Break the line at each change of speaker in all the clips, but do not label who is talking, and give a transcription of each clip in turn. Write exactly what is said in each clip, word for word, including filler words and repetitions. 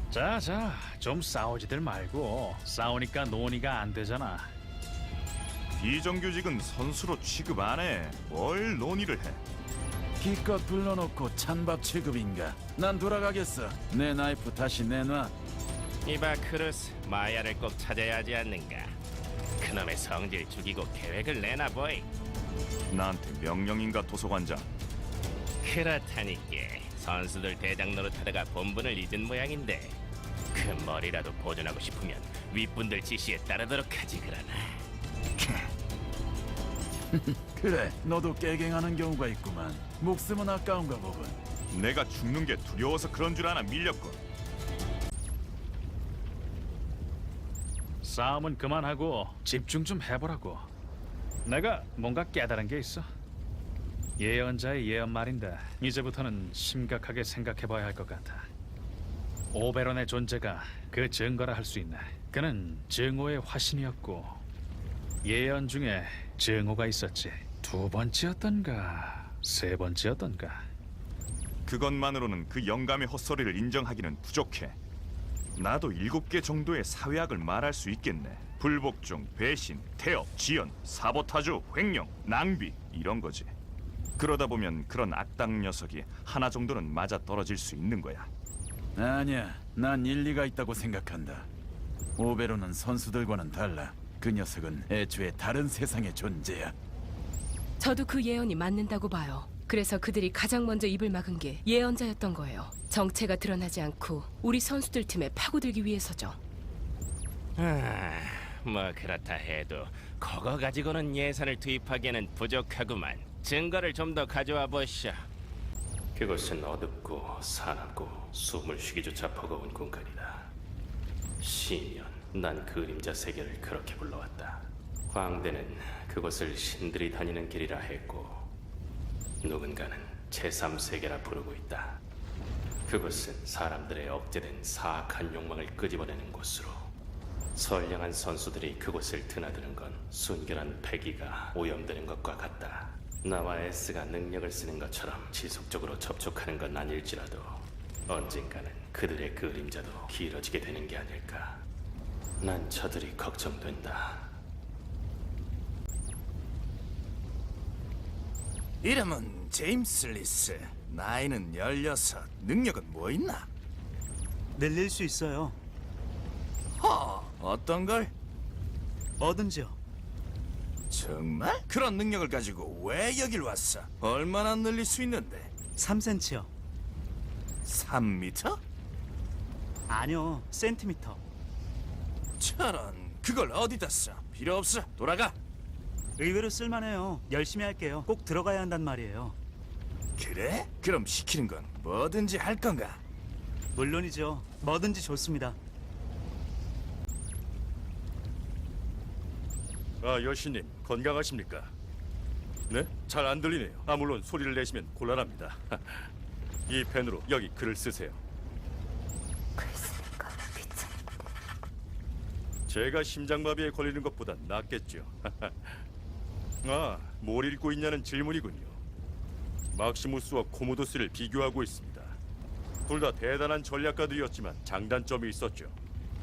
자, 자, 좀 싸우지들 말고. 싸우니까 논의가 안 되잖아.
비정규직은 선수로 취급 안 해. 뭘 논의를 해?
기껏 불러놓고 찬밥 취급인가? 난 돌아가겠어. 내 나이프 다시 내놔.
이봐 크루스, 마야를 꼭 찾아야 하지 않는가? 그놈의 성질 죽이고 계획을 내놔 보이.
나한테 명령인가 도서관장?
그렇다니까 선수들 대장 노릇하다가 본분을 잊은 모양인데 그 머리라도 보존하고 싶으면 윗분들 지시에 따르도록 하지 그러나.
그래, 너도 깨갱하는 경우가 있구만. 목숨은 아까운가 보군.
내가 죽는 게 두려워서 그런 줄 아나 밀렸군.
싸움은 그만하고 집중 좀 해보라고. 내가 뭔가 깨달은 게 있어. 예언자의 예언 말인데 이제부터는 심각하게 생각해봐야 할 것 같아. 오베론의 존재가 그 증거라 할 수 있네. 그는 증오의 화신이었고 예언 중에 증오가 있었지. 두 번째였던가 세 번째였던가.
그것만으로는 그 영감의 헛소리를 인정하기는 부족해. 나도 일곱 개 정도의 사회학을 말할 수 있겠네. 불복종, 배신, 태업, 지연, 사보타주, 횡령, 낭비 이런 거지. 그러다 보면 그런 악당 녀석이 하나 정도는 맞아 떨어질 수 있는 거야.
아니야, 난 일리가 있다고 생각한다. 오베로는 선수들과는 달라. 그 녀석은 애초에 다른 세상의 존재야.
저도 그 예언이 맞는다고 봐요. 그래서 그들이 가장 먼저 입을 막은 게 예언자였던 거예요. 정체가 드러나지 않고 우리 선수들 팀에 파고들기 위해서죠.
아, 뭐 그렇다 해도 그거 가지고는 예산을 투입하기에는 부족하구만. 증거를 좀 더 가져와 보시오. 그곳은 어둡고 사납고 숨을 쉬기조차 버거운 공간이다. 시년, 난 그림자 세계를 그렇게 불러왔다. 광대는 그곳을 신들이 다니는 길이라 했고 누군가는 제삼 세계라 부르고 있다. 그곳은 사람들의 억제된 사악한 욕망을 끄집어내는 곳으로 선량한 선수들이 그곳을 드나드는 건 순결한 패기가 오염되는 것과 같다. 나와 에스가 능력을 쓰는 것처럼 지속적으로 접촉하는 건 아닐지라도 언젠가는 그들의 그림자도 길어지게 되는 게 아닐까. 난 저들이 걱정된다.
이름은 제임스 리스. 나이는 열여섯. 능력은 뭐 있나?
늘릴 수 있어요.
허, 어떤 걸?
뭐든지요.
정말? 그런 능력을 가지고 왜 여길 왔어? 얼마나 늘릴 수 있는데?
삼 센티미터요.
삼 미터?
아니요, 센티미터.
저런, 그걸 어디다 써? 필요 없어. 돌아가.
의외로 쓸만해요. 열심히 할게요. 꼭 들어가야 한단 말이에요.
그래? 그럼 시키는 건 뭐든지 할 건가?
물론이죠. 뭐든지 좋습니다.
아, 여신님, 건강하십니까? 네? 잘 안 들리네요. 아, 물론 소리를 내시면 곤란합니다. 이 펜으로 여기 글을 쓰세요. 제가 심장마비에 걸리는 것보단 낫겠죠. 아, 뭘 읽고 있냐는 질문이군요. 막시무스와 코모도스를 비교하고 있습니다. 둘 다 대단한 전략가들이었지만 장단점이 있었죠.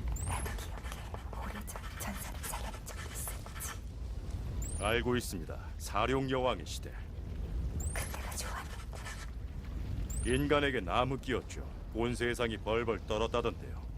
알고 있습니다. 사룡 여왕의 시대.
그때가 좋았는데.
인간에게 나무끼였죠. 온 세상이 벌벌 떨었다던데요.